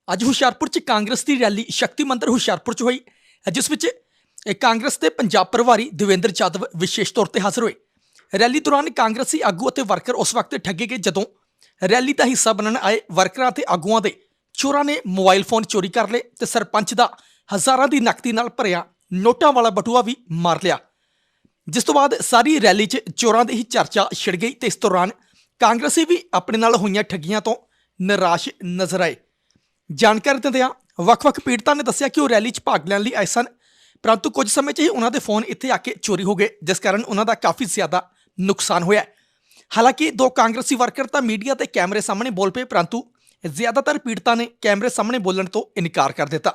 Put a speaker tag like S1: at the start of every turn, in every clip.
S1: ਅੱਜ ਹੁਸ਼ਿਆਰਪੁਰ 'ਚ ਕਾਂਗਰਸ ਦੀ ਰੈਲੀ ਸ਼ਕਤੀ ਮੰਦਰ ਹੁਸ਼ਿਆਰਪੁਰ 'ਚ ਹੋਈ, ਜਿਸ ਵਿੱਚ ਕਾਂਗਰਸ ਦੇ ਪੰਜਾਬ ਪ੍ਰਭਾਰੀ ਦੇਵੇਂਦਰ ਯਾਦਵ ਵਿਸ਼ੇਸ਼ ਤੌਰ ਤੇ ਹਾਜ਼ਰ ਹੋਏ। ਰੈਲੀ ਦੌਰਾਨ ਕਾਂਗਰਸੀ ਆਗੂ ਅਤੇ ਵਰਕਰ ਉਸ ਵਕਤ ਠੱਗੇ ਗਏ ਜਦੋਂ ਰੈਲੀ ਦਾ ਹਿੱਸਾ ਬਣਨ ਆਏ ਵਰਕਰਾਂ ਤੇ ਆਗੂਆਂ ਦੇ ਚੋਰਾਂ ਨੇ ਮੋਬਾਈਲ ਫੋਨ ਚੋਰੀ ਕਰ ਲਏ ਤੇ ਸਰਪੰਚ ਦਾ ਹਜ਼ਾਰਾਂ ਦੀ ਨਕਦੀ ਨਾਲ ਭਰਿਆ ਨੋਟਾਂ ਵਾਲਾ ਬਟੂਆ ਵੀ ਮਾਰ ਲਿਆ। ਜਿਸ ਤੋਂ ਬਾਅਦ ਸਾਰੀ ਰੈਲੀ 'ਚ ਚੋਰਾਂ ਦੀ ਹੀ ਚਰਚਾ ਛਿੜ ਗਈ ਤੇ ਇਸ ਦੌਰਾਨ ਕਾਂਗਰਸੀ ਵੀ ਆਪਣੇ ਨਾਲ ਹੋਈਆਂ ਠੱਗੀਆਂ ਤੋਂ ਨਿਰਾਸ਼ ਨਜ਼ਰ ਆਏ। ਜਾਣਕਾਰੀ ਦਿੰਦਿਆਂ ਵੱਖ-ਵੱਖ ਪੀੜਤਾਂ ਨੇ ਦੱਸਿਆ ਕਿ ਉਹ ਰੈਲੀ 'ਚ ਭਾਗ ਲੈਣ ਲਈ ਆਏ ਸਨ, ਪਰੰਤੂ ਕੁਝ ਸਮੇਂ 'ਚ ਹੀ ਉਹਨਾਂ ਦੇ ਫੋਨ ਇੱਥੇ ਆ ਕੇ ਚੋਰੀ ਹੋ ਗਏ, ਜਿਸ ਕਾਰਨ ਉਹਨਾਂ ਦਾ ਕਾਫੀ ਜ਼ਿਆਦਾ ਨੁਕਸਾਨ ਹੋਇਆ। ਹਾਲਾਂਕਿ ਦੋ ਕਾਂਗਰਸੀ ਵਰਕਰ ਤਾਂ ਮੀਡੀਆ ਤੇ ਕੈਮਰੇ ਸਾਹਮਣੇ ਬੋਲ ਪਏ, ਪਰੰਤੂ ਜ਼ਿਆਦਾਤਰ ਪੀੜਤਾਂ ਨੇ ਕੈਮਰੇ ਸਾਹਮਣੇ ਬੋਲਣ ਤੋਂ ਇਨਕਾਰ ਕਰ ਦਿੱਤਾ।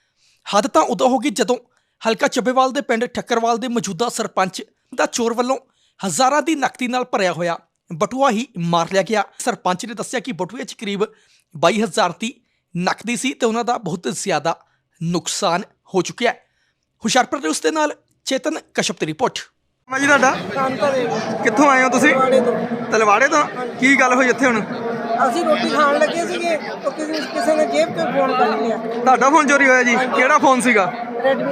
S1: ਹੱਦ ਤਾਂ ਉਦੋਂ ਹੋ ਗਈ ਜਦੋਂ ਹਲਕਾ ਚੱਬੇਵਾਲ ਦੇ ਪਿੰਡ ਠੱਕਰਵਾਲ ਦੇ ਮੌਜੂਦਾ ਸਰਪੰਚ ਦਾ ਚੋਰ ਵੱਲੋਂ ਹਜ਼ਾਰਾਂ ਦੀ ਨਕਦੀ ਨਾਲ ਭਰਿਆ ਹੋਇਆ ਬਟੂਆ ਹੀ ਮਾਰ ਲਿਆ ਗਿਆ। ਸਰਪੰਚ ਨੇ ਦੱਸਿਆ ਕਿ ਬਟੂਏ 'ਚ ਕਰੀਬ 22,000 ਦੀ ਨਕਦੀ ਸੀ ਤੇ ਉਹਨਾਂ ਦਾ ਬਹੁਤ ਜ਼ਿਆਦਾ ਨੁਕਸਾਨ ਹੋ ਚੁੱਕਿਆ ਹੈ। ਹੁਸ਼ਿਆਰਪੁਰ ਦੇ ਉਸ ਦੇ ਨਾਲ ਚੇਤਨ ਕਸ਼ਪ ਦੀ ਰਿਪੋਰਟ।
S2: ਜੀ ਤੁਹਾਡਾ ਕਿੱਥੋਂ ਆਏ ਹੋ ਤੁਸੀਂ? ਤਲਵਾੜੇ ਤੋਂ। ਕੀ ਗੱਲ ਹੋਈ ਇੱਥੇ ਹੁਣ?
S3: ਅਸੀਂ ਰੋਟੀ ਖਾਣ ਲੱਗੇ ਸੀਗੇ ਤਾਂ ਕਿਸੇ ਨੇ ਜੇਬ ਤੋਂ ਫੋਨ ਕਰ ਲਿਆ।
S2: ਤੁਹਾਡਾ ਫੋਨ ਚੋਰੀ ਹੋਇਆ ਜੀ? ਕਿਹੜਾ ਫੋਨ ਸੀਗਾ?
S3: ਰੈਡਮੀ।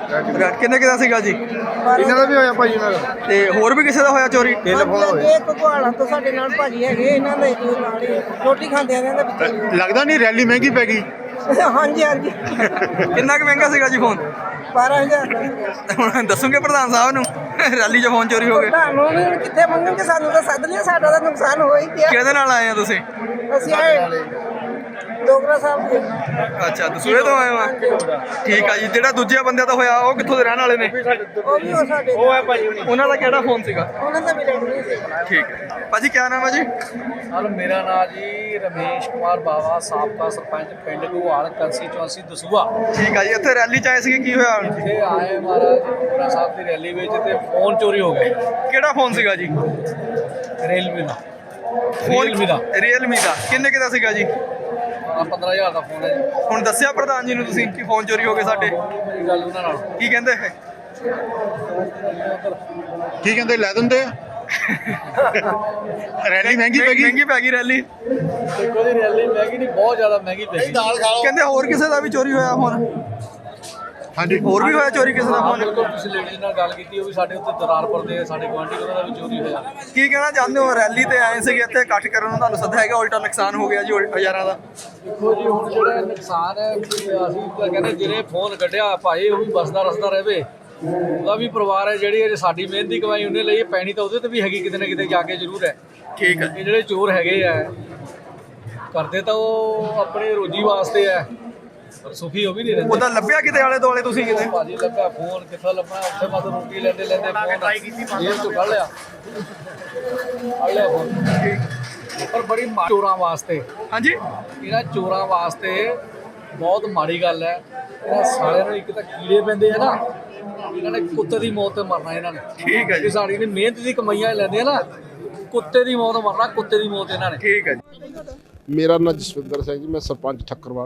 S2: ਕਿੰਨੇ ਕਿਦਾ ਸੀਗਾ ਜੀ?
S4: ਇਹਨਾਂ ਦਾ ਵੀ ਹੋਇਆ ਭਾਜੀ ਨਾਲ,
S2: ਤੇ ਹੋਰ ਵੀ ਕਿਸੇ ਦਾ ਹੋਇਆ ਚੋਰੀ?
S3: ਇਹ ਘਗਵਾਲਾਂ ਤੋਂ ਸਾਡੇ ਨਾਲ ਭਾਜੀ ਹੈਗੇ, ਇਹਨਾਂ ਦੇ ਨਾਲ ਹੀ ਰੋਟੀ ਖਾਂਦੇ ਆ ਇਹਨਾਂ ਦੇ ਵਿੱਚ।
S4: ਲੱਗਦਾ ਨਹੀਂ ਰੈਲੀ ਮਹਿੰਗੀ ਪੈ ਗਈ।
S3: ਹਾਂਜੀ ਹਾਂਜੀ।
S2: ਕਿੰਨਾ ਕੁ ਮਹਿੰਗਾ ਸੀਗਾ ਜੀ ਫੋਨ?
S3: 12,000 ਦਾ।
S2: ਹੁਣ ਦੱਸੋਗੇ ਪ੍ਰਧਾਨ ਸਾਹਿਬ ਨੂੰ ਰੈਲੀ 'ਚ ਫੋਨ ਚੋਰੀ ਹੋ ਗਏ?
S3: ਤੁਹਾਨੂੰ ਵੀ ਕਿੱਥੇ ਮੰਗਣਗੇ, ਸਾਨੂੰ ਤਾਂ ਸੱਦ ਲਿਆ, ਸਾਡਾ ਤਾਂ ਨੁਕਸਾਨ ਹੋ ਹੀ ਗਿਆ।
S2: ਕਿਹਦੇ ਨਾਲ ਆਏ ਆ ਤੁਸੀਂ?
S3: ਅਸੀਂ ਆਏ ਡੋਗਰਾ ਸਾਹਿਬ ਦੇ।
S2: ਅੱਛਾ, ਦਸੂਹੇ ਤੋਂ ਆਏ ਹੋ? ਠੀਕ ਆ ਜੀ। ਜਿਹੜਾ ਦੂਜੇ ਬੰਦਿਆਂ ਦਾ ਹੋਇਆ ਉਹ ਕਿੱਥੋਂ ਦੇ ਰਹਿਣ ਵਾਲੇ ਨੇ?
S3: ਉਹ ਵੀ ਉਹ ਸਾਡੇ
S4: ਉਹ ਹੈ ਭਾਜੀ
S2: ਉਹਨਾਂ ਦਾ ਕਿਹੜਾ ਫੋਨ ਸੀਗਾ?
S3: ਉਹਨਾਂ ਦਾ ਵੀ ਰੈਡਮੀ ਸੀ।
S2: ਠੀਕ ਹੈ ਭਾਜੀ, ਕੀ ਨਾਮ ਹੈ ਜੀ?
S5: ਸਰ ਮੇਰਾ ਨਾਮ ਜੀ ਰਮੇਸ਼ ਕੁਮਾਰ ਬਾਵਾ, ਸਾਬਕਾ ਸਰਪੰਚ ਪਿੰਡ ਘੁਆਲ ਕੰਸਟੀਚੁਐਂਸੀ ਦਸੂਹਾ।
S2: ਠੀਕ ਆ ਜੀ। ਇੱਥੇ ਰੈਲੀ 'ਚ ਆਏ ਸੀਗੇ, ਕੀ ਹੋਇਆ?
S5: ਇੱਥੇ ਆਏ ਮਹਾਰਾਜ ਗੁਰੂ ਸਾਹਿਬ ਦੀ ਰੈਲੀ ਵਿੱਚ ਤੇ ਫੋਨ ਚੋਰੀ ਹੋ ਗਿਆ।
S2: ਕਿਹੜਾ ਫੋਨ ਸੀਗਾ ਜੀ?
S5: ਰੀਅਲਮੀ ਦਾ।
S2: ਰੀਅਲਮੀ ਦਾ। ਕਿੰਨੇ ਕਿਦਾ ਸੀਗਾ ਜੀ?
S5: 15,000 ਦਾ ਫੋਨ ਹੈ ਜੀ।
S2: ਹੁਣ ਦੱਸਿਆ ਪ੍ਰਧਾਨ ਜੀ ਨੂੰ ਤੁਸੀਂ ਕਿ ਫੋਨ ਚੋਰੀ ਹੋ ਗਏ ਸਾਡੇ?
S5: ਮੇਰੀ ਗੱਲ ਉਹਨਾਂ ਨਾਲ
S2: ਕੀ ਕਹਿੰਦੇ?
S4: ਕੀ ਕਹਿੰਦੇ, ਲੈ ਦਿੰਦੇ ਆ। ਰੈਲੀ ਮਹਿੰਗੀ ਪੈ ਗਈ।
S2: ਮਹਿੰਗੀ ਪੈ ਗਈ ਰੈਲੀ।
S5: ਦੇਖੋ ਜੀ ਰੈਲੀ ਮਹਿੰਗੀ ਨਹੀਂ, ਬਹੁਤ ਜ਼ਿਆਦਾ ਮਹਿੰਗੀ ਪੈ ਗਈ।
S2: ਕਹਿੰਦੇ ਹੋਰ ਕਿਸੇ ਦਾ ਵੀ ਚੋਰੀ ਹੋਇਆ ਫੋਨ?
S4: ਹਾਂਜੀ,
S2: ਹੋਰ ਵੀ ਹੋਇਆ ਚੋਰੀ ਕਿਸੇ ਦਾ
S5: ਹਾਂ
S2: ਫੋਨ?
S5: ਬਿਲਕੁਲ, ਤੁਸੀਂ ਲੇਡੀਜ਼ ਨਾਲ ਗੱਲ ਕੀਤੀ, ਉਹ ਵੀ ਸਾਡੇ ਉੱਤੇ ਦਰਾਰਪੁਰ ਦੇ ਸਾਡੇ ਗੁਆਂਢੀ, ਉਹਨਾਂ ਦਾ ਵੀ ਚੋਰੀ ਹੋਇਆ।
S2: ਕੀ ਕਹਿਣਾ ਚਾਹੁੰਦੇ ਹੋ? ਰੈਲੀ ਤੇ ਆਏ ਸੀਗੇ, ਇੱਥੇ ਇਕੱਠ ਕਰਨ ਨੂੰ ਤੁਹਾਨੂੰ ਸੱਦਾ ਹੈਗਾ, ਉਲਟਾ ਨੁਕਸਾਨ ਹੋ ਗਿਆ ਜੀ ਹਜ਼ਾਰਾਂ ਦਾ।
S5: ਦੇਖੋ ਜੀ ਹੁਣ ਜਿਹੜਾ ਨੁਕਸਾਨ ਹੈ, ਅਸੀਂ ਤਾਂ ਕਹਿੰਦੇ ਜਿਹੜੇ ਫੋਨ ਕੱਢਿਆ ਭਾਈ ਉਹ ਵੀ ਬਸਦਾ ਰਸਦਾ ਰਹੇ, ਉਹਦਾ ਵੀ ਪਰਿਵਾਰ ਹੈ। ਜਿਹੜੀ ਅਜੇ ਸਾਡੀ ਮਿਹਨਤ ਦੀ ਕਮਾਈ ਉਹਨੇ ਲਈ, ਪੈਣੀ ਤਾਂ ਉਹਦੇ ਤੇ ਵੀ ਹੈਗੀ ਕਿਤੇ ਨਾ ਕਿਤੇ ਜਾ ਕੇ ਜ਼ਰੂਰ ਹੈ।
S2: ਠੀਕ ਹੈ।
S5: ਇਹ ਜਿਹੜੇ ਚੋਰ ਹੈਗੇ ਆ ਕਰਦੇ ਤਾਂ ਉਹ ਆਪਣੀ ਰੋਜੀ ਵਾਸਤੇ ਹੈ, ਪਰ ਸੁਖੀ ਉਹ ਵੀ ਨਹੀਂ ਰਹਿੰਦੇ।
S2: ਉਹਦਾ ਲੱਭਿਆ ਕਿਤੇ ਆਲੇ ਦੁਆਲੇ ਤੁਸੀਂ ਕਿਤੇ?
S5: ਭਾਜੀ ਲੱਭਿਆ ਫੋਨ, ਕਿੱਥੋਂ ਲੱਭਣਾ? ਉੱਥੇ ਮਤ ਰੋਟੀ ਲੈਂਦੇ ਫੋਨ ਜੇਬ ਤੋਂ ਕੱਢ ਲਿਆ ਫੋਨ। ਪਰ ਬੜੀ ਚੋਰਾਂ ਵਾਸਤੇ,
S2: ਹਾਂਜੀ,
S5: ਇਹਨਾਂ ਚੋਰਾਂ ਵਾਸਤੇ ਬਹੁਤ ਮਾੜੀ ਗੱਲ ਹੈ। ਇਹਨਾਂ ਸਾਰਿਆਂ ਨੂੰ ਇੱਕ ਤਾਂ ਕੀੜੇ ਪੈਂਦੇ ਆ ਨਾ, ਇਹਨਾਂ ਨੇ ਕੁੱਤੇ ਦੀ ਮੌਤ ਤੇ ਮਰਨਾ ਇਹਨਾਂ ਨੇ।
S2: ਠੀਕ ਹੈ ਜੀ।
S5: ਸਾਡੀ ਨੇ ਮਿਹਨਤ ਦੀ ਕਮਾਈਆਂ ਲੈਂਦੇ ਆ ਨਾ, ਕੁੱਤੇ ਦੀ ਮੌਤ ਮਰਨਾ, ਕੁੱਤੇ ਦੀ ਮੌਤ ਇਹਨਾਂ ਨੇ।
S2: ਠੀਕ ਹੈ ਜੀ।
S6: ਮੇਰਾ ਨਾਮ ਜਸਵਿੰਦਰ ਸਿੰਘ ਜੀ, ਮੈਂ ਸਰਪੰਚ ਠੱਕਰਵਾਲ।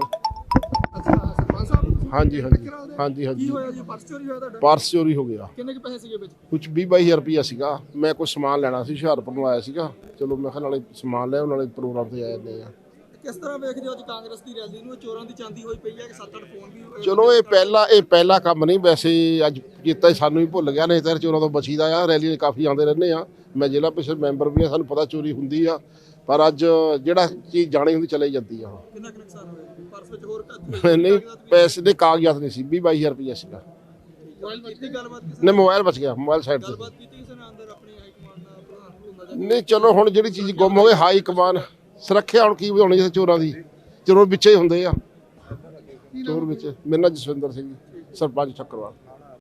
S6: ਹਾਂਜੀ ਹਾਂਜੀ ਹਾਂਜੀ ਹਾਂਜੀ।
S2: ਪਰਸ ਚੋਰੀ ਹੋਇਆ ਤੁਹਾਡਾ?
S6: ਪਰਸ ਚੋਰੀ ਹੋ ਗਿਆ।
S2: ਕਿੰਨੇ ਕੁ ਪੈਸੇ ਸੀਗੇ ਵਿੱਚ?
S6: ਕੁਝ 20-22 ਰੁਪਈਆ ਸੀਗਾ। ਮੈਂ ਕੁਝ ਸਮਾਨ ਲੈਣਾ ਸੀ, ਹੁਸ਼ਿਆਰਪੁਰ ਨੂੰ ਆਇਆ ਸੀਗਾ। ਚਲੋ ਮੈਂ ਕਿਹਾ ਨਾਲੇ ਸਮਾਨ ਲੈ ਨਾਲੇ ਪ੍ਰੋਗਰਾਮ ਤੇ ਆ ਜਾਂਦੇ ਆ।
S2: ਕਿਸ ਤਰ੍ਹਾਂ ਵੇਖਦੇ ਹੋ ਅੱਜ ਕਾਂਗਰਸ ਦੀ ਰੈਲੀ ਨੂੰ? ਚੋਰਾਂ ਦੀ ਚਾਂਦੀ ਹੋਈ ਪਈ ਹੈ ਕਿ 7-8 ਫੋਨ ਵੀ?
S6: ਚਲੋ ਇਹ ਪਹਿਲਾ ਕੰਮ ਨਹੀਂ, ਵੈਸੇ ਅੱਜ ਕੀਤਾ ਸਾਨੂੰ ਹੀ ਭੁੱਲ ਗਿਆ, ਨਹੀਂ ਤਾਂ ਚੋਰਾਂ ਤੋਂ ਬਚੀਦਾ ਆ। ਰੈਲੀ 'ਚ ਕਾਫੀ ਆਉਂਦੇ ਰਹਿੰਦੇ ਆ। ਮੈਂ ਜ਼ਿਲ੍ਹਾ ਪ੍ਰੀਸ਼ਦ ਮੈਂਬਰ ਵੀ ਆ, ਸਾਨੂੰ ਪਤਾ ਚੋਰੀ ਹੁੰਦੀ ਆ, ਪਰ ਅੱਜ ਜਿਹੜਾ ਚੀਜ਼ ਜਾਣੀ ਹੁੰਦੀ ਚਲੇ ਜਾਂਦੀ ਆ।
S2: ਕਿੰਨਾ ਕੁ ਨੁਕਸਾਨ ਹੋਇਆ? ਪਰਸ ਵਿੱਚ ਹੋਰ
S6: ਨਹੀਂ, ਪੈਸੇ ਦੇ ਕਾਗਜ਼ਾਤ ਨਹੀਂ ਸੀ, 20-22 ਰੁਪਈਆ ਸੀਗਾ।
S2: ਮੋਬਾਈਲ ਕੀਤੀ ਗੱਲਬਾਤ?
S6: ਨਹੀਂ, ਮੋਬਾਈਲ ਬਚ ਗਿਆ, ਮੋਬਾਈਲ ਸਾਈਡ ਤੇ।
S2: ਗੱਲਬਾਤ ਕੀਤੀ ਕਿਸੇ ਨੇ ਅੰਦਰ ਆਪਣੀ ਹਾਈ ਕਮਾਂਡ ਨਾਲ, ਪ੍ਰਧਾਨ ਹੁੰਦਾ?
S6: ਨਹੀਂ ਚਲੋ ਹੁਣ ਜਿਹੜੀ ਚੀਜ਼ ਗੁੰਮ ਹੋ ਗਈ, ਹਾਈ ਕਮਾਨ ਸੁਰੱਖਿਆ ਹੁਣ ਕੀ ਵਧਾਉਣੀ ਜਿੱਥੇ ਚੋਰਾਂ ਦੀ? ਚੋਰ ਵਿੱਚੇ ਹੀ ਹੁੰਦੇ ਆ, ਚੋਰ ਵਿੱਚ। ਮੇਰਾ ਨਾਮ ਜਸਵਿੰਦਰ ਸਿੰਘ ਜੀ, ਸਰਪੰਚ ਠੱਕਰਵਾਲ।